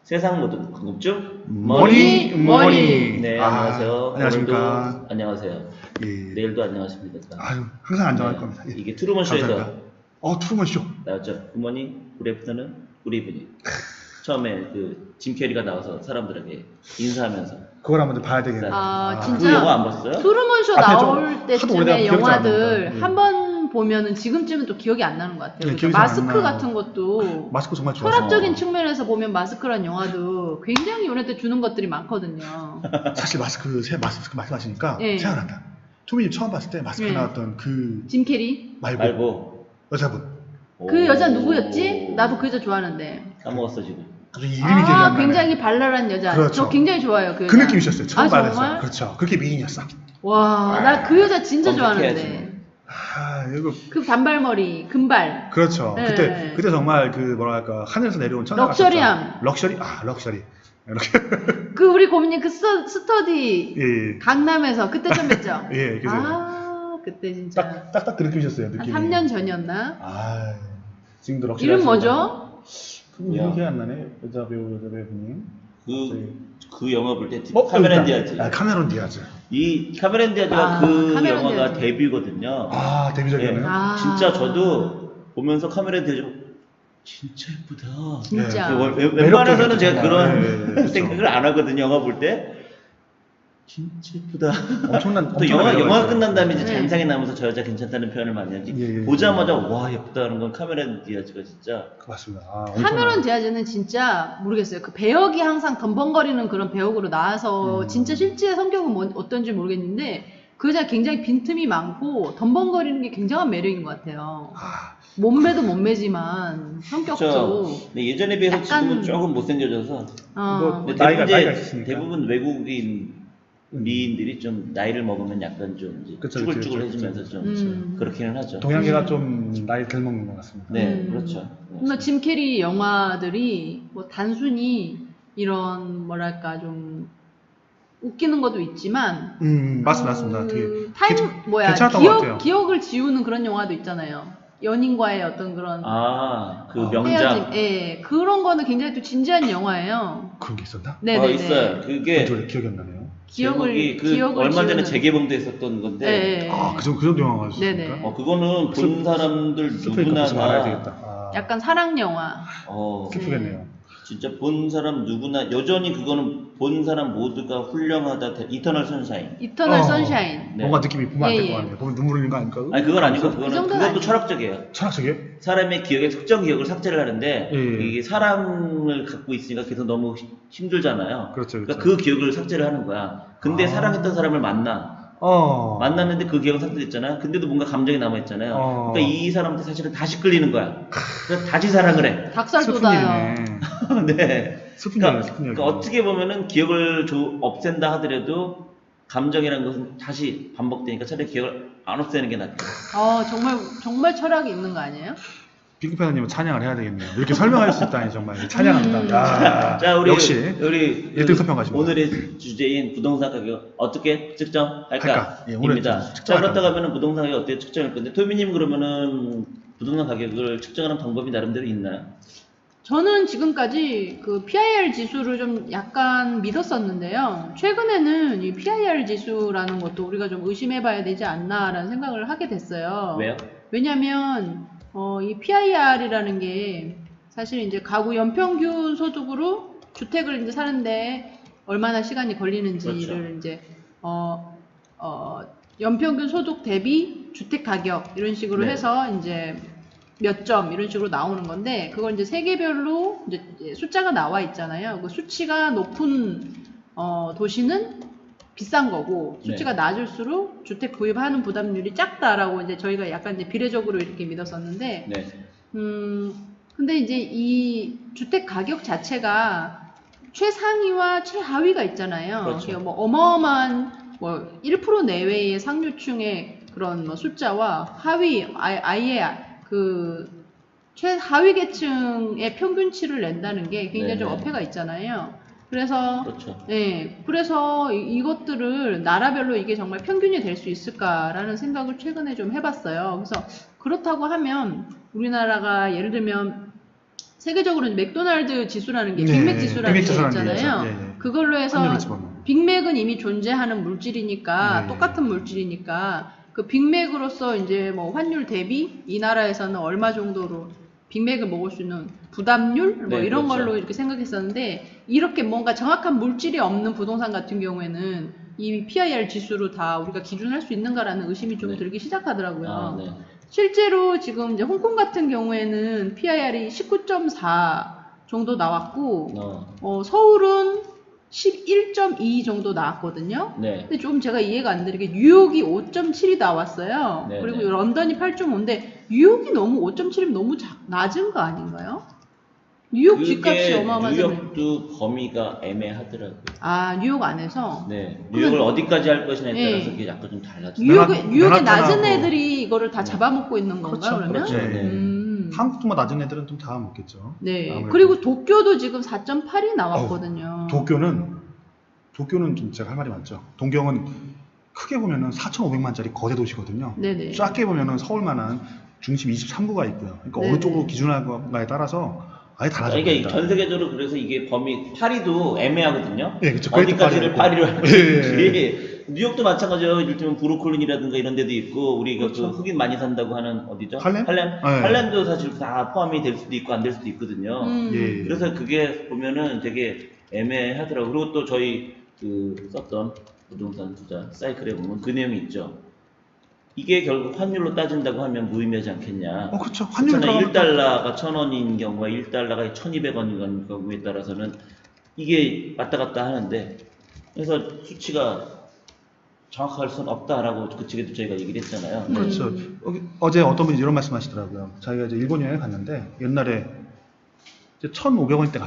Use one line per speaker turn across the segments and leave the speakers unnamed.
세상 모든 궁금증
머니.
네,
아,
안녕하세요.
안녕하십니까.
오늘도 안녕하세요.
예.
내일도 안녕하십니까.
아유, 항상 안정할 겁니다. 예.
이게 트루먼 쇼에서
감사합니다. 트루먼 쇼.
나왔죠. 굿모닝, 굿애프터눈, 굿이브닝. 처음에 그 짐 캐리가 나와서 사람들에게 인사하면서.
그걸 한번 좀 봐야 되겠네요.
그 영화 안 봤어요?
트루먼 쇼
앞에 좀
나올
하도
때쯤에
오래돼서 기억이 안
영화들
납니다.
한 번 보면은 지금쯤은 또 기억이 안 나는 것 같아요.
네,
그러니까
기억이 잘안
마스크
나요.
같은 것도
마스크 정말 좋아서.
철학적인 측면에서 보면 마스크란 영화도 굉장히 요네 주는 것들이 많거든요.
사실 마스크 말씀하시니까
예.
생각난다. 투미님 처음 봤을 때 마스크
예.
나왔던 그
짐 캐리?
말고.
여자분.
그 여자 누구였지? 나도 그 여자 좋아하는데.
까먹었어 지금.
이름이 기억이 안 나네.
굉장히 발랄한 여자.
그렇죠.
저 굉장히 좋아요. 그
그
여자.
느낌이셨어요. 처음
정말?
봤어요. 그렇죠. 그렇게 미인이었어.
와, 나 그 여자 진짜
검색해야지.
좋아하는데.
이거
그 단발머리, 금발.
그렇죠.
네.
그때 정말 그 뭐랄까 하늘에서 내려온 천사
럭셔리함.
럭셔리. 럭셔리. 이렇게.
그 우리 고민님 그 스터디
예.
강남에서 그때 좀 뵀죠?
예, 그죠.
그때 진짜
딱딱 그 느낌이셨어요.
한
느낌이.
3년 전이었나?
지금도 럭셔리.
이름 뭐죠?
그분 이름이 기억 안 나네. 여자 배우님.
그 영화 볼 때
카메론
카메론 디아즈.
카메론 디아즈.
이 카메론 디아즈가 그
카메론
영화가
디아즈.
데뷔거든요.
데뷔작이었네요.
아.
진짜 저도 보면서 카메론 디아즈 진짜 예쁘다.
진짜.
웬만해서는 제가 그런
그렇죠.
생각을 안 하거든요. 영화 볼 때. 진짜 예쁘다.
엄청난
또 영화 끝난 다음에 이제
네.
잔상이 나면서 저 여자 괜찮다는 표현을 많이 하지.
예.
보자마자 와 예쁘다는 건 카메론 디아즈가 진짜.
맞습니다.
카메론 디아즈는 진짜 모르겠어요. 그 배역이 항상 덤벙거리는 그런 배역으로 나와서 진짜 실제 성격은 어떤지 모르겠는데 그 여자 굉장히 빈틈이 많고 덤벙거리는 게 굉장한 매력인 것 같아요. 몸매도 몸매지만 성격도.
근데 예전에 비해서
약간-
지금은 조금 못생겨져서.
뭐
근데
나이가 있으시니까.
대부분 외국인 미인들이 좀 나이를 먹으면 약간 좀 이제
그쵸,
쭈글쭈글해지면서
그쵸.
좀 그렇기는 하죠.
동양계가 좀 나이 덜 먹는 것 같습니다.
네, 그렇죠.
뭔가 짐 캐리 영화들이 뭐 단순히 이런 뭐랄까 좀 웃기는 것도 있지만
맞습니다. 되게 괜찮았던 것 같아요.
기억을 지우는 그런 영화도 있잖아요. 연인과의 어떤 그런
그 명작.
헤어짐, 예, 그런 거는 굉장히 또 진지한 영화예요.
그런 게 있었나?
네네네.
있어요. 그게
기억이 안 나네요.
제목이
기억을
얼마 전에
지우는-
재개봉도 했었던 건데.
네.
그 정도 영화가 있었습니까?
네네.
그거는 본 사람들 누구나
슬프니까 알아야
다
되겠다.
약간 사랑 영화.
슬프겠네요.
진짜 본 사람 누구나 여전히 그거는 본 사람 모두가 훌륭하다. 이터널 선샤인.
이터널 선샤인.
네.
뭔가 느낌이 보면 안 될
예,
것 같네요. 보면 눈물 흘리는 거 아닙니까?
아니 그건 아니고
그
그거는
정도는
그것도
아니에요.
철학적이에요.
철학적이에요?
사람의 기억에 특정 기억을 삭제를 하는데
예.
이게 사랑을 갖고 있으니까 계속 너무 힘들잖아요.
그렇죠.
그러니까 그 기억을 삭제를 하는 거야. 근데 사랑했던 사람을 만났는데 그 기억은 삭제됐잖아요. 근데도 뭔가 감정이 남아있잖아요. 그러니까 이 사람한테 사실은 다시 끌리는 거야. 그래서 다시 사랑을 해.
닭살
슬픈
돋아요.
일이네.
네.
슬픈
그러니까,
일이네.
어떻게 보면은 기억을 없앤다 하더라도 감정이라는 것은 다시 반복되니까 차라리 기억을 안 없애는 게 낫죠.
정말 철학이 있는 거 아니에요?
핑크패너님은 찬양을 해야 되겠네요. 이렇게 설명할 수 있다니 정말 찬양합니다.
자,
역시
우리
1등 서평가십니다.
오늘의 주제인 부동산 가격 어떻게 측정할까?
예, 오늘
입니다. 자,
측정할
그렇다고
겁니다.
하면은 부동산 가격 어떻게 측정할 건데 토미님 그러면은 부동산 가격을 측정하는 방법이 나름대로 있나요?
저는 지금까지 그 PIR 지수를 좀 약간 믿었었는데요. 최근에는 이 PIR 지수라는 것도 우리가 좀 의심해봐야 되지 않나라는 생각을 하게 됐어요.
왜요?
왜냐면 이 PIR이라는 게 사실 이제 가구 연평균 소득으로 주택을 이제 사는데 얼마나 시간이 걸리는지를
그렇죠.
이제 연평균 소득 대비 주택 가격 이런 식으로
네.
해서 이제 몇 점 이런 식으로 나오는 건데 그걸 이제 세계별로 이제 숫자가 나와 있잖아요. 그 수치가 높은 도시는 비싼 거고 수치가 낮을수록 주택 구입하는 부담률이 작다라고 이제 저희가 약간 이제 비례적으로 이렇게 믿었었는데
네.
근데 이제 이 주택 가격 자체가 최상위와 최하위가 있잖아요.
그렇죠.
그러니까 뭐 어마어마한 뭐 1% 내외의 상류층의 그런 뭐 숫자와 아예 그 최하위 계층의 평균치를 낸다는 게 굉장히 좀
네네.
어폐가 있잖아요. 그래서
그렇죠.
그래서 이것들을 나라별로 이게 정말 평균이 될 수 있을까라는 생각을 최근에 좀 해봤어요. 그래서 그렇다고 하면 우리나라가 예를 들면 세계적으로 맥도날드 지수라는 게
네,
빅맥 지수라는 게
빅맥 지수라는 게
있잖아요.
있죠. 예, 예.
그걸로 해서
환율을 집어넣는.
빅맥은 이미 존재하는 물질이니까
네.
똑같은 물질이니까 그 빅맥으로서 이제 뭐 환율 대비 이 나라에서는 얼마 정도로 빅맥을 먹을 수 있는 부담률 뭐
네,
이런
그렇죠.
걸로 이렇게 생각했었는데 이렇게 뭔가 정확한 물질이 없는 부동산 같은 경우에는 이 PIR 지수로 다 우리가 기준할 수 있는가라는 의심이 좀
네.
들기 시작하더라고요.
아, 네.
실제로 지금 이제 홍콩 같은 경우에는 PIR이 19.4 정도 나왔고 서울은 11.2 정도 나왔거든요.
네.
근데 좀 제가 이해가 안 되는 게 뉴욕이 5.7이 나왔어요.
네,
그리고
네.
런던이 8.5인데 뉴욕이 너무 5.7이면 너무 낮은 거 아닌가요? 뉴욕 집값이 어마어마하잖아요.
뉴욕도 범위가 애매하더라고요.
아, 뉴욕 안에서?
네. 뉴욕을 어디까지 할 것이냐에
네.
따라서 그게 약간 좀 달라져요.
뉴욕의
맨하탄하고-
낮은 애들이 이거를 다 잡아먹고 있는 건가요,
그렇죠,
그러면?
그렇죠. 네.
한국도만 낮은 애들은 좀 다 먹겠죠.
네.
아무래도.
그리고 도쿄도 지금 4.8이 나왔거든요.
도쿄는 좀 제가 할 말이 많죠. 동경은 크게 보면은 4,500만짜리 거대 도시거든요.
네네.
작게 보면은 서울만한 중심 23구가 있고요. 그러니까
네네.
어느 쪽으로 기준하거나에 따라서 아예 달라집니다.
그러니까 전 세계적으로 그래서 이게 범위 파리도 애매하거든요.
예, 그렇죠.
어디까지를 파리로 할
예,
건지. 뉴욕도 마찬가지예요. 이를테면 브루클린이라든가 이런 데도 있고 우리가
그렇죠.
그 흑인 많이 산다고 하는 어디죠?
할렘? 네.
할렘도 사실 다 포함이 될 수도 있고 안 될 수도 있거든요.
예.
그래서 그게 보면은 되게 애매하더라고요. 그리고 또 저희 그 썼던 부동산 투자 사이클에 보면 그 내용이 있죠. 이게 결국 환율로 따진다고 하면 무의미하지 않겠냐.
그렇죠. 환율
그렇잖아요. 1달러가 1,000원인 경우와 1달러가 1,200원인 경우에 따라서는 이게 왔다 갔다 하는데 그래서 수치가 정확할 수는 없다라고 그쪽에도 저희가 얘기를 했잖아요.
그렇죠. 어제 어떤 분이 이런 말씀 하시더라고요. 자기가 이제 일본 여행을 갔는데 옛날에 이제 1,500원 때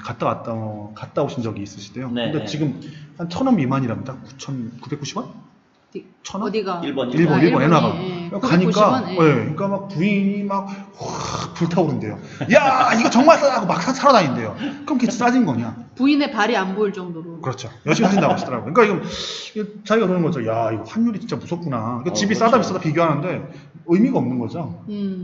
갔다 오신 적이 있으시대요.
네,
근데
네.
지금 한 1,000원 미만이랍니다. 9,990원? 1,000원?
어디가?
일본.
일본
일본이,
엔화가.
예.
가니까
990원, 예.
그러니까 막 부인이 막 확 불타오른대요. 야, 이거 정말 싸다고 막 사러 다닌대요. 그럼 그게 싸진 거냐?
부인의 발이 안 보일 정도로.
그렇죠. 열심히 하신다고 하시더라고요. 그러니까 이거 자기가 그러는 거죠. 야, 이거 환율이 진짜 무섭구나. 그러니까 집이
그렇죠.
싸다 비싸다 비교하는데 의미가 없는 거죠.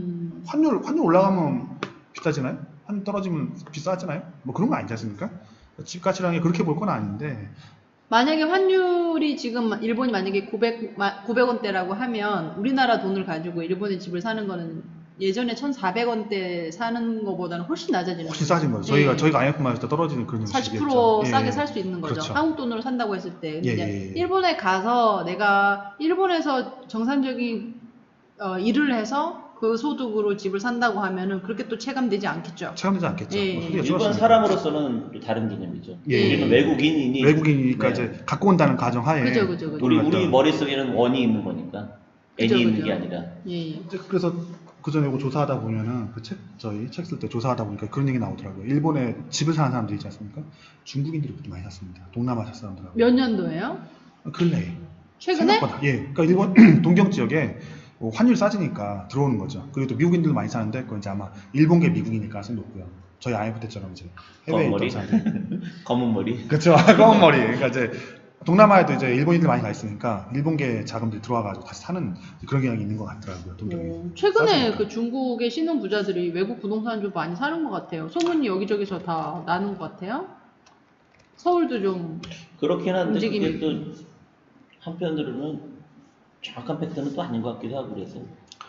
환율 올라가면 비싸지나요? 환율 떨어지면 비싸지나요? 뭐 그런 거 아니지 않습니까? 집가치라는 게 그렇게 볼 건 아닌데.
만약에 환율이 지금 일본이 만약에 900원대라고 하면 우리나라 돈을 가지고 일본의 집을 사는 거는 예전에 1,400원대 사는 거보다는 훨씬 낮아지는
훨씬 싸진 거죠. 저희가 IMF 맞을 때 떨어지는 그런
40%
식이겠죠.
싸게
예.
살 수 있는 거죠.
그렇죠.
한국 돈으로 산다고 했을 때. 근데
예,
이제
예, 예.
일본에 가서 내가 일본에서 정상적인 일을 해서 그 소득으로 집을 산다고 하면은 그렇게 또 체감되지 않겠죠.
체감되지 않겠죠.
예.
뭐 소리가
일본
줄었으니까.
사람으로서는 또 다른 개념이죠.
예.
우리는 외국인이니
외국이니까
네.
이제 갖고 온다는 가정하에
그죠, 그죠, 그죠.
우리 머릿속에는 원이 있는 거니까 N이
그죠,
있는
그죠.
게 아니라.
예.
이제 그래서 그 전에 이거 조사하다 보면은 저희 책 쓸 때 조사하다 보니까 그런 얘기 나오더라고요. 일본에 집을 사는 사람들이 있지 않습니까? 중국인들이 그렇게 많이 샀습니다. 동남아시아 사람들하고.
몇 년도예요?
근래에.
최근에?
생각보다. 예. 그러니까 일본 동경 지역에 환율 싸지니까 들어오는 거죠. 그리고 또 미국인들도 많이 사는데 그건 이제 아마 일본계 미국이니까 가능성이 높고요. 저희 IMF 때처럼 이제 해외에
검은
있던
머리?
사람들.
검은 머리.
그렇죠. 검은 머리. 그러니까 이제 동남아에도 이제 일본인들 많이 가 있으니까 일본계 자금들이 들어와가지고 다시 사는 그런 경향이 있는 것 같더라고요. 동경에.
최근에
싸지니까.
그 중국의 신흥 부자들이 외국 부동산 좀 많이 사는 것 같아요. 소문이 여기저기서 다 나는 것 같아요. 서울도 좀
그렇긴 한데
움직임이
그게 또 한편으로는 정확한 팩트는 또 아닌 것 같기도 하고 그래서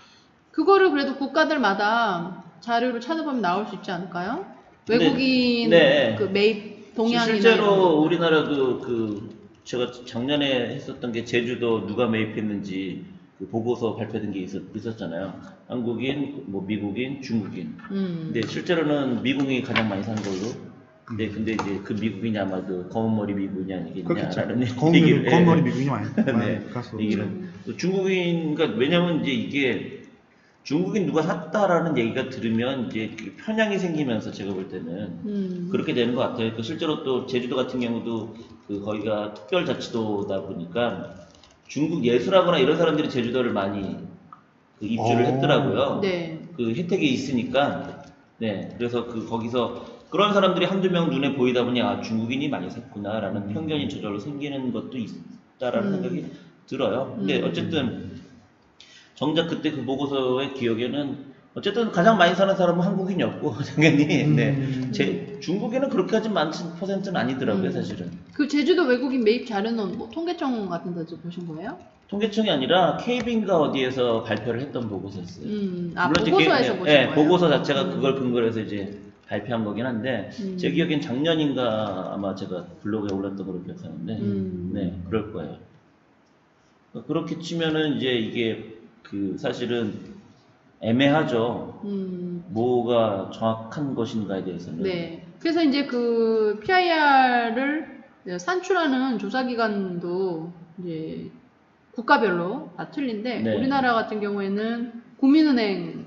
그거를 그래도 국가들마다 자료를 찾아보면 나올 수 있지 않을까요?
근데,
외국인
네.
그 매입 동향이나 이런 거.
실제로 우리나라도 그 제가 작년에 했었던 게 제주도 누가 매입했는지 그 보고서 발표된 게 있었잖아요. 한국인, 뭐 미국인, 중국인. 근데 실제로는 미국인이 가장 많이 산 걸로. 근데 이제 그 미국인이 아마 그 검은 머리 미국인이 아니겠냐라는 얘기를
검은 머리 미국인이 많이
네,
갔어.
얘기는 중국인 그러니까 왜냐면 이제 이게 중국인 누가 샀다라는 얘기가 들으면 이제 편향이 생기면서 제가 볼 때는 그렇게 되는 것 같아요. 그 실제로 또 제주도 같은 경우도 그 거기가 특별자치도다 보니까 중국 예술하거나 이런 사람들이 제주도를 많이 그 입주를 했더라고요.
네.
그 혜택이 있으니까. 네. 그래서 그 거기서 그런 사람들이 한두 명 눈에 보이다 보니 아 중국인이 많이 샀구나라는 편견이 저절로 생기는 것도 있다라는 생각이 들어요. 근데 어쨌든 정작 그때 그 보고서의 기억에는 어쨌든 가장 많이 사는 사람은 한국인이었고 당연히 네. 중국에는 그렇게까지 많은 퍼센트는 아니더라고요 사실은.
그 제주도 외국인 매입 자료는 뭐 통계청 같은 데서 보신 거예요?
통계청이 아니라 KB인가 어디에서 발표를 했던 보고서였어요.
아,
물론 이제
보고서에서 보신 거예요?
보고서 자체가 그걸 근거로 해서 이제 발표한 거긴 한데 제 기억엔 작년인가 아마 제가 블로그에 올렸던 걸로 기억하는데 네 그럴 거예요. 그렇게 치면은 이제 이게 그 사실은 애매하죠. 뭐가 정확한 것인가에 대해서는.
네. 그래서 이제 그 PIR을 산출하는 조사기관도 이제 국가별로 다 틀린데
네.
우리나라 같은 경우에는 국민은행,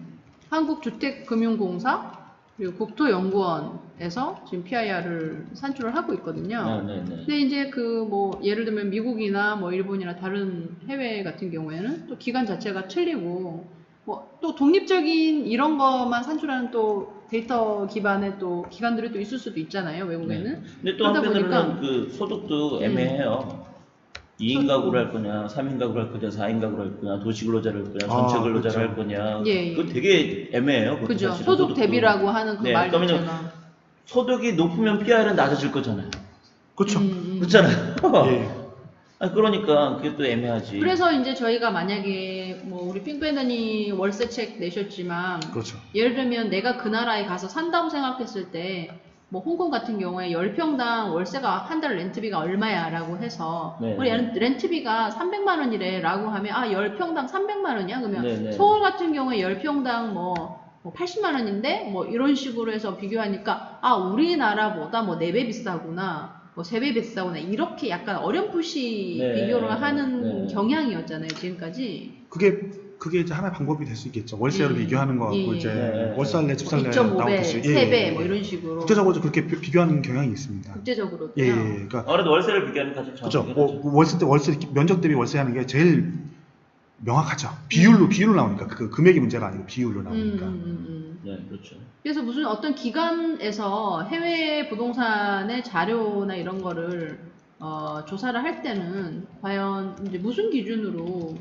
한국주택금융공사, 그리고 국토연구원에서 지금 PIR을 산출을 하고 있거든요.
네.
근데 이제 그 뭐 예를 들면 미국이나 뭐 일본이나 다른 해외 같은 경우에는 또 기관 자체가 틀리고 뭐 또 독립적인 이런 것만 산출하는 또 데이터 기반의 또 기관들이 또 있을 수도 있잖아요, 외국에는.
네. 근데 또
그러다
한편으로는
보니까
그 소득도 애매해요. 2인 가구로 할 거냐, 3인 가구로 할 거냐, 4인 가구로 할 거냐, 도시근로자를 할 거냐, 전체 근로자를
그렇죠.
할 거냐.
예.
그거 되게 애매해요. 그것도
그죠.
사실은
소득
소득도.
대비라고 하는 그
네,
말
그러면은
자체가.
소득이 높으면 PIR은 낮아질 거잖아요.
그렇죠.
그렇잖아요.
예.
그러니까 그게 또 애매하지.
그래서 이제 저희가 만약에 뭐 우리 핑크밴더니 월세책 내셨지만
그렇죠.
예를 들면 내가 그 나라에 가서 산다고 생각했을 때 뭐 홍콩 같은 경우에 10평당 월세가 한 달 렌트비가 얼마야 라고 해서
네.
우리 렌트비가 300만 원이래 라고 하면 아 10평당 300만 원이야? 그러면
네.
서울 같은 경우에 10평당 뭐 80만 원인데 뭐 이런 식으로 해서 비교하니까 아 우리나라보다 뭐 4배 비싸구나 뭐 3배 비싸구나 이렇게 약간 어렴풋이
네.
비교를 하는
네.
경향이었잖아요 지금까지.
그게 이제 하나의 방법이 될 수 있겠죠. 월세로 비교하는 거 갖고 이제
네.
월세 할래, 집 살래
2.5배,
나오듯이.
3배 뭐 이런 식으로
국제적으로 그렇게 비교하는 경향이 있습니다.
국제적으로도요.
예. 그러니까
그래도 월세를 비교하는 가장
그렇죠.
정확하긴 하죠.
월세 면적 대비 월세하는 게 제일 명확하죠. 비율로 나오니까 그 금액이 문제가 아니고 비율로 나오니까.
네, 그렇죠.
그래서 무슨 어떤 기관에서 해외 부동산의 자료나 이런 거를 조사를 할 때는 과연 이제 무슨 기준으로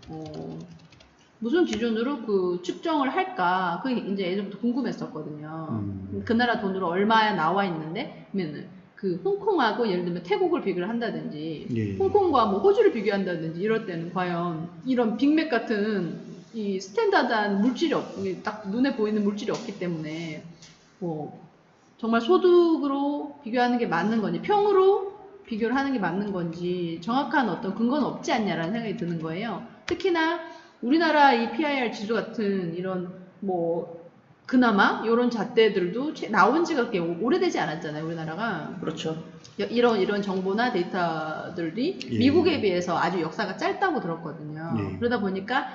그 측정을 할까? 그게 이제 예전부터 궁금했었거든요. 그 나라 돈으로 얼마야 나와 있는데, 그러면은 그 홍콩하고 예를 들면 태국을 비교를 한다든지,
예.
홍콩과 뭐 호주를 비교한다든지 이럴 때는 과연 이런 빅맥 같은 이 스탠다드한 물질이 딱 눈에 보이는 물질이 없기 때문에 뭐 정말 소득으로 비교하는 게 맞는 건지, 평으로 비교를 하는 게 맞는 건지 정확한 어떤 근거는 없지 않냐라는 생각이 드는 거예요. 특히나 우리나라 이 PIR 지수 같은 이런 뭐 그나마 이런 잣대들도 나온 지가 그렇게 오래되지 않았잖아요, 우리나라가.
그렇죠.
이런 정보나 데이터들이
예.
미국에 비해서 아주 역사가 짧다고 들었거든요.
예.
그러다 보니까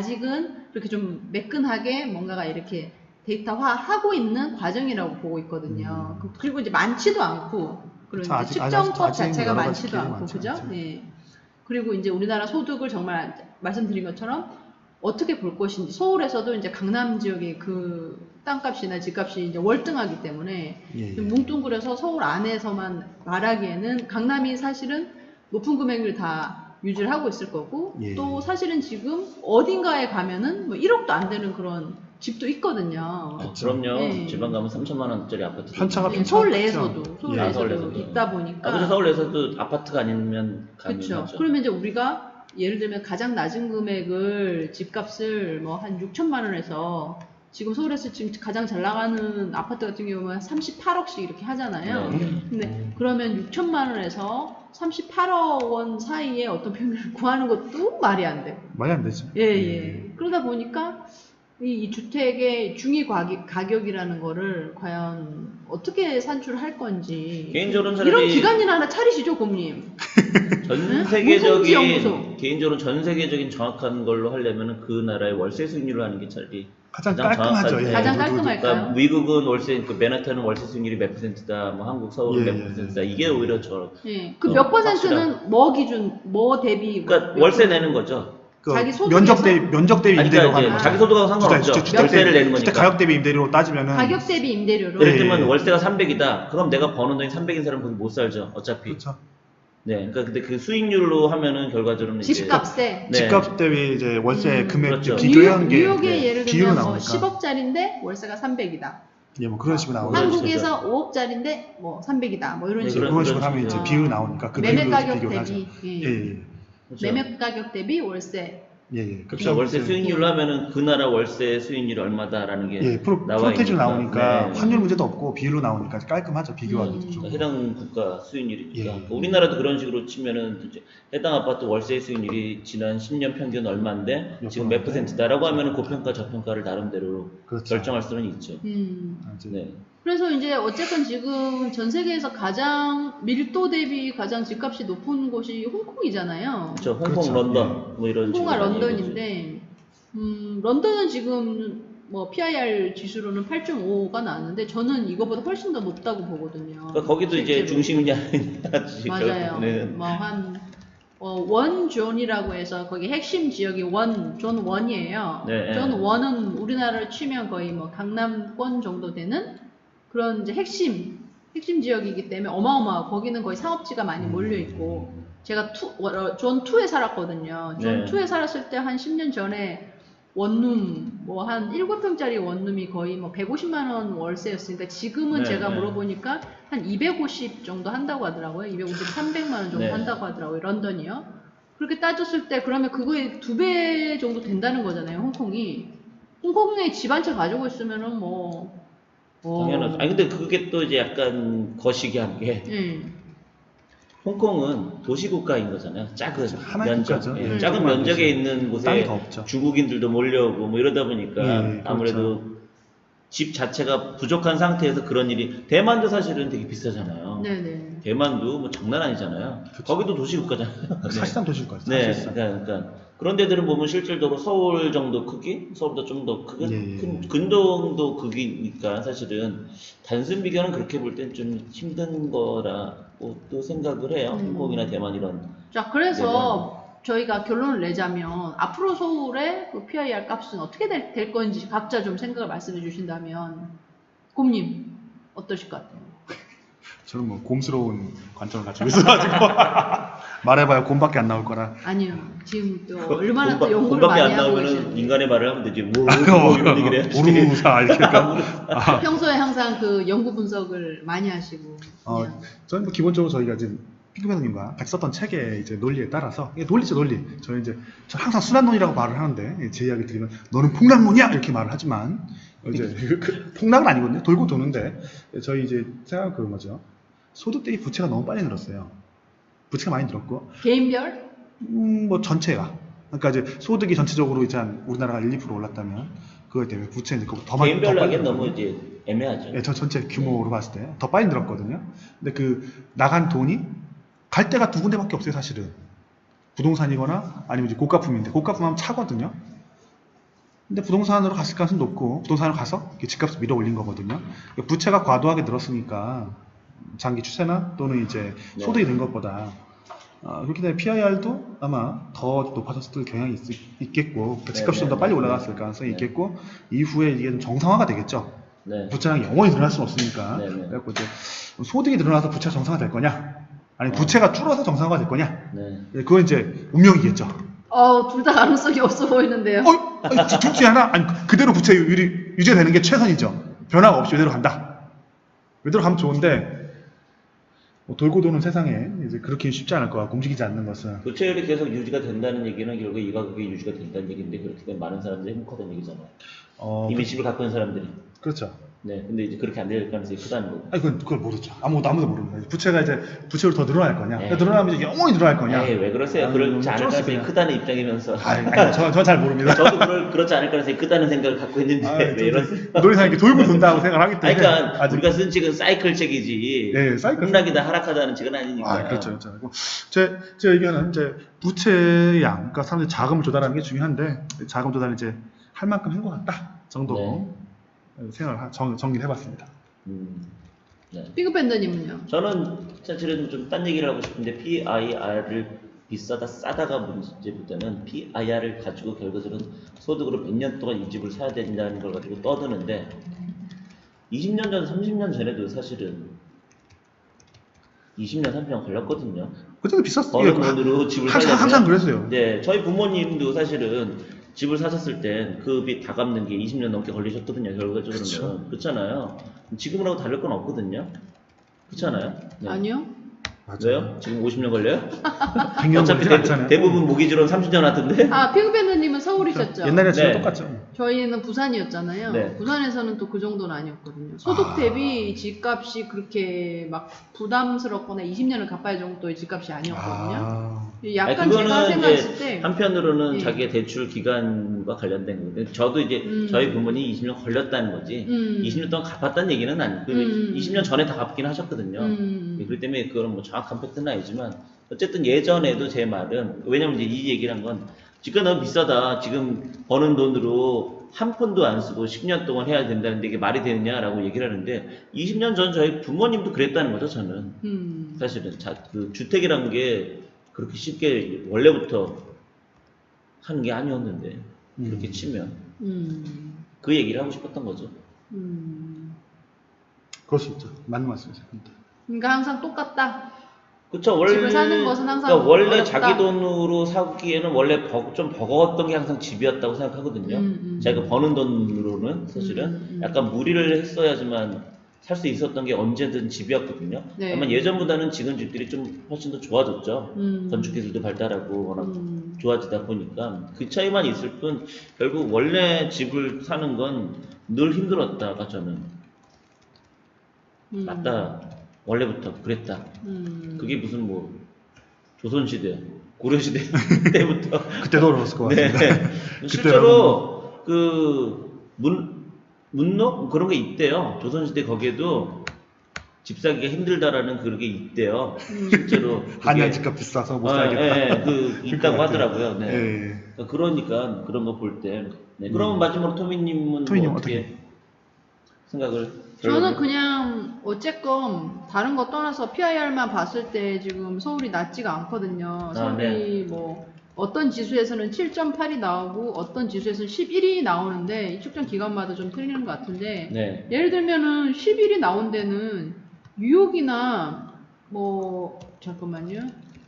아직은 그렇게 좀 매끈하게 뭔가가 이렇게 데이터화하고 있는 과정이라고 보고 있거든요. 그리고 이제 많지도 않고, 그런
그렇죠.
이제
아직
측정법
아직은
자체가
여러 가지
많지도
기회가
않고,
많지
그죠?
않죠.
예. 그리고 이제 우리나라 소득을 정말 말씀드린 것처럼 어떻게 볼 것인지, 서울에서도 이제 강남 지역의 그 땅값이나 집값이 이제 월등하기 때문에
예.
뭉뚱그려서 서울 안에서만 말하기에는 강남이 사실은 높은 금액을 다 유지를 하고 있을 거고,
예.
또 사실은 지금 어딘가에 가면은 뭐 1억도 안 되는 그런 집도 있거든요.
그럼요.
예.
지방 가면 3천만 원짜리 아파트.
편차가
예, 서울
편차가
내에서도
크죠.
서울
예.
내에서도
서울에서도.
있다 보니까.
그래서 서울 내에서도 아파트가 아니면
그렇죠.
가능하죠.
그러면 이제 우리가 예를 들면 가장 낮은 금액을 집값을 뭐 한 6천만 원에서 지금 서울에서 지금 가장 잘 나가는 아파트 같은 경우는 38억씩 이렇게 하잖아요.
네.
근데 그러면 6천만 원에서 38억 원 사이에 어떤 평균을 구하는 것도 말이 안 돼요.
말이 안 되죠.
예. 그러다 보니까 이 주택의 중위 가격이라는 거를 과연 어떻게 산출할 건지.
개인적으로는
이런
차라리
기관이나 하나 차리시죠, 고모님.
전
무슨
세계적인
연구소.
개인적으로 전 세계적은 정확한 걸로 하려면은 그 나라의 월세 수익률을 하는 게 차라리
가장
가장
깔끔하죠.
정확하죠.
예.
가장
모두-
깔끔할까요?
그러니까 미국은 월세, 그 맨하탄은 월세 수익률이 몇 %다, 뭐 한국 서울은
예,
몇 %다. 이게 오히려
예. 그 몇 퍼센트는 뭐 기준, 뭐 대비.
그러니까
몇
월세
퍼센트?
내는 거죠.
그
자기 소득에서-
면적 대비
아니,
임대료
그러니까
하는
이제
거죠.
자기 소득하고 상관없죠. 월세를 내는 거니까.
주택 가격 대비 임대료로 따지면은
가격 대비 임대료로.
예를
예.
들면 월세가 300이다. 그럼 내가 버는 돈이 300인 사람은 거기 못 살죠. 어차피.
그렇죠.
네, 그러니까 근데 그 수익률로 하면은 결과적으로는
집값에.
네.
집값 대비 이제 월세 금액
그렇죠.
비교한 게
뉴욕의
네,
예를
비율로
들면 뭐
나오니까
10억짜리인데 월세가 300이다.
예, 뭐 그런 식으로 나오죠.
그런
한국에서 5억짜리인데 뭐 300이다. 뭐 이런
네,
식으로.
그런 식으로 하면 이제
어.
비율이 나오니까 그
매매
비율로
가격
비교를 하죠.
대비.
예,
예.
예,
그렇죠.
매매 가격 대비 월세.
예, 예.
그렇죠. 월세 수익률로 하면은 그 나라 월세 수익률이 얼마다라는 게
예,
나와
프로테이지로
있으니까.
나오니까
네.
환율 문제도 없고 비율로 나오니까 깔끔하죠. 비교하기도 좀.
그러니까 해당 국가 수익률이니까.
예.
그러니까 우리나라도 그런 식으로 치면은 이제 해당 아파트 월세 수익률이 지난 10년 평균 얼마인데 지금 몇 %다라고 하면은 고평가 저평가를 나름대로
그렇죠.
결정할 수는 있죠.
이제
네.
그래서 이제 어쨌건 지금 전 세계에서 가장 밀도 대비 가장 집값이 높은 곳이 홍콩이잖아요.
그렇죠. 홍콩,
그렇죠.
런던 뭐 이런
홍콩과
식으로 많이
런던인데, 런던은 지금 뭐 PIR 지수로는 8.5가 나왔는데 저는 이거보다 훨씬 더 높다고 보거든요.
그러니까 거기도 이제
실제로.
중심이 아니냐.
맞아요. 뭐 한 원존이라고 해서 거기 핵심 지역이 존 원이에요.
네,
존
네.
원은 우리나라를 치면 거의 뭐 강남권 정도 되는 그런 이제 핵심 지역이기 때문에 어마어마하고 거기는 거의 상업지가 많이 몰려 있고 제가 존 2에 살았거든요. 존
네.
2에 살았을 때 한 10년 전에 원룸 뭐 한 7평짜리 원룸이 거의 뭐 150만 원 월세였으니까 지금은
네,
제가
네.
물어보니까 한 250 정도 한다고 하더라고요. 250, 300만 원 정도
네.
한다고 하더라고요. 런던이요. 그렇게 따졌을 때 그러면 그거의 2배 정도 된다는 거잖아요. 홍콩이. 홍콩에 집 한 채 가지고 있으면은 뭐
당연하죠. 아니 근데 그게 또 이제 약간 거시기한 게
예.
홍콩은 도시국가인 거잖아요. 작은
하나의
면적,
국가죠.
예,
예,
작은
조그만
면적에
도시.
있는 곳에
땅이 더 없죠.
중국인들도 몰려오고 뭐 이러다 보니까
예, 그렇죠.
아무래도 집 자체가 부족한 상태에서 그런 일이 대만도 사실은 되게 비싸잖아요.
네네.
대만도 뭐 장난 아니잖아요.
그쵸.
거기도 도시국가잖아요.
사실상 도시국가죠.
네,
사실상.
그러니까 그런 데들은 보면 실질적으로 서울 정도 크기, 서울보다 좀 더 크게
예, 예.
근동도 크기니까 사실은 단순 비교는 그렇게 볼 땐 좀 힘든 거라고 또 생각을 해요. 홍콩이나 대만 이런.
자, 그래서 저희가 결론을 내자면 앞으로 서울의 그 PIR 값은 어떻게 될 건지 각자 좀 생각을 말씀해 주신다면 곰님 어떠실 것 같아요?
저는 뭐 곰스러운 관점을 가지고 있어가지고 말해봐야 곰밖에 안 나올 거라.
아니요. 지금 또 얼마나 또 연구를
곰밖에
많이
안
하고
나오면은
계시는데
인간의 말을 하면 되지. 뭐 이런 얘기를 해야지.
오르사 이렇게 할까?
평소에 항상 그 연구 분석을 많이 하시고 그냥
저는 뭐 기본적으로 저희가 지금 피그맨님과 같이 썼던 책의 이제 논리에 따라서 이게 논리죠 논리. 저는 이제 저 항상 순환론이라고 말을 하는데 제 이야기 들으면 너는 폭락론이야 이렇게 말을 하지만 이제 폭락은 아니거든요. 돌고 도는데 저희 이제 생각 그 뭐죠? 소득 대비 부채가 너무 빨리 늘었어요. 부채가 많이 늘었고
개인별
뭐 전체가 그러니까 이제 소득이 전체적으로 이제 한 우리나라가 1, 2% 올랐다면 그것 때문에 부채는 이제 더 많이
개인별로 하기엔
늘었거든요.
너무 이제 애매하죠.
예, 저 전체 규모로 봤을 때 더 빨리 늘었거든요. 근데 그 나간 돈이 갈 데가 두 군데밖에 없어요, 사실은. 부동산이거나 아니면 이제 고가품인데 고가품하면 차거든요. 근데 부동산으로 갔을 가능성이 높고 부동산으로 가서 집값을 밀어 올린 거거든요. 부채가 과도하게 늘었으니까 장기 추세나 또는 이제 소득이 는 것보다 그렇기 때문에 PIR도 아마 더 높아졌을 경향이 있겠고 집값이 좀 더 빨리 올라갔을 가능성이 있겠고 이후에 이게 좀 정상화가 되겠죠.
네.
부채가 영원히 늘어날 수는 없으니까.
네, 네.
그래갖고 이제 소득이 늘어나서 부채가 정상화 될 거냐, 아니면 부채가 줄어서 정상화가 될 거냐.
네.
그건 이제 운명이겠죠.
둘 다 가능성이 없어 보이는데요.
둘 중에 하나, 아니 그대로 부채율이 유지되는 게 최선이죠. 변화가 없이 이대로 간다. 이대로 가면 좋은데 뭐 돌고 도는 세상에 이제 그렇게 쉽지 않을 것 같고 움직이지 않는 것은.
부채율이 계속 유지가 된다는 얘기는 결국 이 가격이 유지가 된다는 얘기인데 그렇게 되면 많은 사람들이 행복하다는 얘기잖아요. 이미 집을 갖고 있는 사람들이.
그렇죠.
네, 근데 이제 그렇게 안 될 가능성이 크다는 거고.
아니 그걸 모르죠. 아무도 모릅니다. 부채가 이제 부채율이 더 늘어날 거냐,
네.
늘어나면 이제 영원히 늘어날 거냐.
왜 그러세요? 그렇지 않을 가능성이 크다는 입장이면서.
저 잘 모릅니다.
저도 그렇지 않을 가능성이 크다는 생각을 갖고 있는데 왜 이러세요?
놀이상 이렇게 돌고 돈다고 생각을 하기 때문에.
그러니까
아직.
우리가 쓴 책은 사이클 책이지.
네, 사이클.
폭락이다 하락하다는 책은 아니니까.
그렇죠. 제 의견은 이제 부채 양, 그러니까 사람들이 자금을 조달하는 게 중요한데 자금 조달을 이제 할 만큼 한 것 같다 정도 생각을 정리를 해봤습니다.
네.
삐그밴더님은요?
저는 사실은 좀 딴 얘기를 하고 싶은데 PIR을 비싸다 싸다가 문제보다는 PIR을 가지고 결과적으로 소득으로 100년 동안 이 집을 사야 된다는 걸 가지고 떠드는데 20년 전, 30년 전에도 사실은 20년, 30년 걸렸거든요.
그때도 비쌌어요.
버는 돈으로 집을 사려면
항상 그랬어요.
네, 저희 부모님도 사실은 집을 사셨을 땐 그 빚 다 갚는 게 20년 넘게 걸리셨거든요. 결과적으로는. 그렇잖아요. 지금하고 다를 건 없거든요. 그렇잖아요. 네.
아니요.
맞아요.
왜요? 지금 50년 걸려요?
100년
어차피
걸리진 않잖아요.
대부분 모기지로는 30년 하던데.
아, 피그밴드님은 서울이셨죠?
옛날에 진짜
네.
똑같죠.
저희는 부산이었잖아요.
네.
부산에서는 또 그 정도는 아니었거든요. 소득 대비 집값이 그렇게 막 부담스럽거나 20년을 갚아야 정도의 집값이 아니었거든요. 약간
아니, 그거는
제가 생각했을
이제
때
한편으로는
예.
자기의 대출 기간과 관련된 거예요. 저도 이제 저희 부모님이 20년 걸렸다는 거지. 20년 동안 갚았다는 얘기는 아니고 20년 전에 다 갚긴 하셨거든요. 그렇기 때문에 그건 뭐 정확한 팩트는 아니지만 어쨌든 예전에도 제 말은 왜냐면 이제 이 얘기를 한 건 집값 너무 비싸다. 지금 버는 돈으로 한 푼도 안 쓰고 10년 동안 해야 된다는데 이게 말이 되느냐라고 얘기를 하는데 20년 전 저희 부모님도 그랬다는 거죠. 저는 사실은 그 주택이란 게 그렇게 쉽게 원래부터 하는 게 아니었는데 그렇게 치면 그 얘기를 하고 싶었던 거죠.
그럴 수 있죠. 맞는 말씀이세요.
그러니까 항상 똑같다.
그렇죠. 원래
집을 사는 것은 항상
그러니까 원래
어렵다.
자기 돈으로 사기에는 원래 좀 버거웠던 게 항상 집이었다고 생각하거든요. 자기가 버는 돈으로는 사실은 약간 무리를 했어야지만 살 수 있었던 게 언제든 집이었거든요.
네.
다만 예전보다는 지금 집들이 좀 훨씬 더 좋아졌죠. 건축 기술도 발달하고 워낙 좋아지다 보니까 그 차이만 있을 뿐 결국 원래 집을 사는 건 늘 힘들었다가 저는 맞다. 원래부터 그랬다. 그게 무슨 뭐 조선시대, 고려시대 때부터
그때도 어려웠을 것 같습니다.
네. 실제로 그 문록 그런 게 있대요. 조선시대 거기에도 집 사기가 힘들다라는 그런 게 있대요. 실제로
한양 집값 비싸서 못 살겠다.
그 있다고 하더라고요. 네.
예.
그러니까 그런 거 볼 때. 네. 그러면 마지막으로 토미님은
토미님
뭐 어떻게 생각을?
저는 그냥 어쨌건 다른 거 떠나서 PIR만 봤을 때 지금 서울이 낮지가 않거든요. 서울이
네.
뭐 어떤 지수에서는 7.8이 나오고 어떤 지수에서는 11이 나오는데 이 측정 기간마다 좀 틀리는 것 같은데
네.
예를 들면은 11이 나온 데는 뉴욕이나 뭐 잠깐만요.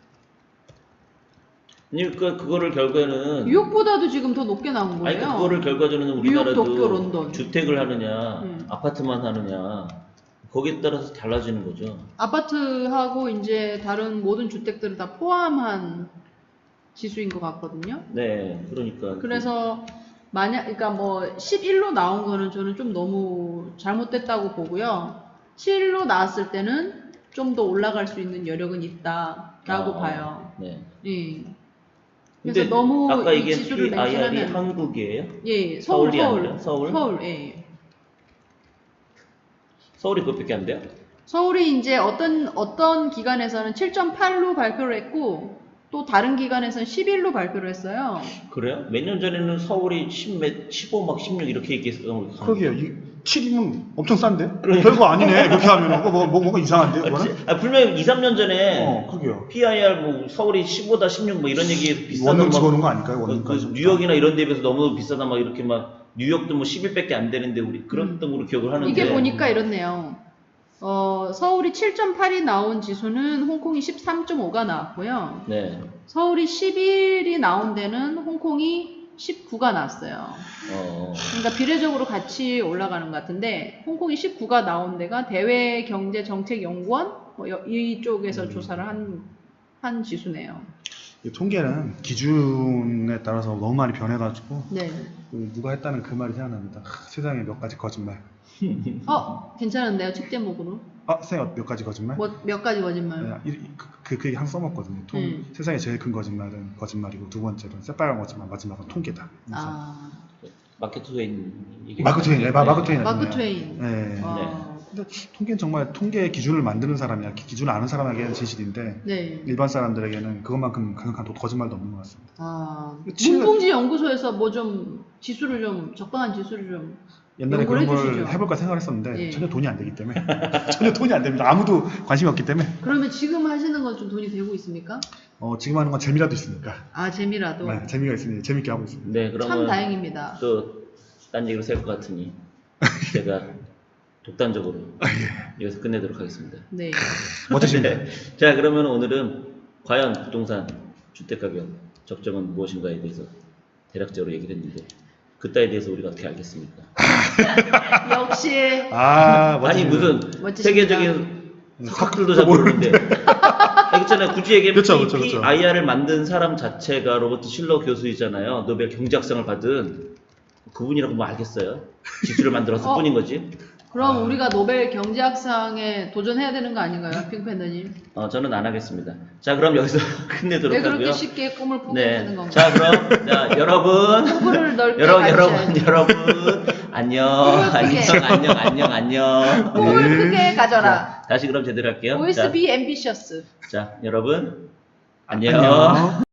그러니까 그거를 결과는
뉴욕보다도 지금 더 높게 나온 거예요.
아니 그거를 결과적으로는
뉴욕,
우리나라도
도쿄, 런던.
주택을 하느냐 아파트만 하느냐 거기에 따라서 달라지는 거죠.
아파트하고 이제 다른 모든 주택들을 다 포함한 지수인 것 같거든요.
네, 그러니까.
그래서 그러니까 뭐 11로 나온 거는 저는 좀 너무 잘못됐다고 보고요. 7로 나왔을 때는 좀 더 올라갈 수 있는 여력은 있다라고 봐요.
네.
예.
근데
그래서 너무
아까
이
이게
지수를
PIR이
맹신하면
한국이에요?
예,
서울이 아니라 서울?
서울, 예.
서울이 그것밖에 안 돼요?
서울이 이제 어떤 기관에서는 7.8로 발표를 했고 또 다른 기관에서는 11로 발표를 했어요.
그래요? 몇 년 전에는 서울이 15, 막 16 이렇게 얘기했어요.
그러게요. 7이면 엄청 싼데? 별거 아니네. 그렇게 하면 뭐가 이상한데? 그거는?
분명히 2, 3년 전에
그러게요.
PIR 뭐 서울이 15다 16 뭐 이런 얘기 비싸다.
원룸 집어넣은 거 아닐까요? 원룸까지.
뉴욕이나 이런 데 비해서 너무 비싸다 막 이렇게 막 뉴욕도 뭐 11밖에 안 되는데 우리 그런 등으로 기억을 하는데
이게 보니까 이렇네요. 서울이 7.8이 나온 지수는 홍콩이 13.5가 나왔고요.
네.
서울이 11이 나온 데는 홍콩이 19가 나왔어요. 그러니까 비례적으로 같이 올라가는 것 같은데 홍콩이 19가 나온 데가 대외경제정책연구원 이쪽에서 조사를 한 지수네요.
이 통계는 기준에 따라서 너무 많이 변해가지고
네.
누가 했다는 그 말이 생각납니다. 세상에 몇 가지 거짓말.
괜찮은데요, 책 제목으로?
세상에 몇 가지 거짓말?
몇 가지 거짓말?
그 얘기 항상 써먹거든요. 세상에 제일 큰 거짓말은 거짓말이고 두 번째로는 새빨간 거짓말, 마지막은 통계다.
마크 트웨인 얘기.
마크 트웨인,
마크 트웨인.
네. 근데 통계는 정말 통계 기준을 만드는 사람이야. 기준을 아는 사람에게는 진실인데
네.
일반 사람들에게는 그것만큼 강력한 거짓말도 없는 것 같습니다.
문봉지 연구소에서 뭐 좀 지수를 좀 적당한 지수를 좀
옛날에 그런 걸
해주시죠.
해볼까 생각했었는데
예.
전혀 돈이 안 되기 때문에 전혀 돈이 안 됩니다. 아무도 관심이 없기 때문에.
그러면 지금 하시는 건 좀 돈이 되고 있습니까?
지금 하는 건 재미라도 있으니까.
재미라도.
네, 재미가 있으니 재밌게 하고 있습니다.
네, 그러면
참 다행입니다.
또 딴 얘기로 셀 것 같으니 제가 독단적으로
예.
여기서 끝내도록 하겠습니다.
네.
멋지십니다.
네. 자, 그러면 오늘은 과연 부동산 주택가격 적정은 무엇인가에 대해서 대략적으로 얘기를 했는데 그따에 대해서 우리가 어떻게 알겠습니까?
역시
아,
아니
멋지십니다.
무슨
멋지십니다.
세계적인 석학들도 잘 모르는데 있잖아요. 굳이 얘기하면
그쵸, 그쵸, 그쵸.
PIR을 만든 사람 자체가 로버트 실러 교수이잖아요. 노벨 경제학상을 받은 그분이라고 뭐 알겠어요? 지수를 만들었을 뿐인 거지.
그럼 우리가 노벨 경제학상에 도전해야 되는 거 아닌가요, 핑팬더님?
저는 안 하겠습니다. 자, 그럼 여기서 끝내도록
왜
하고요.
그렇게 쉽게 꿈을 포기하는
네.
건가요?
자, 그럼 자, 여러분,
후보를 넓게
여러분, 안녕, 안녕.
꿈을 크게 가져라.
다시 그럼 제대로 할게요.
Always be ambitious.
자, 여러분, 안녕.
안녕.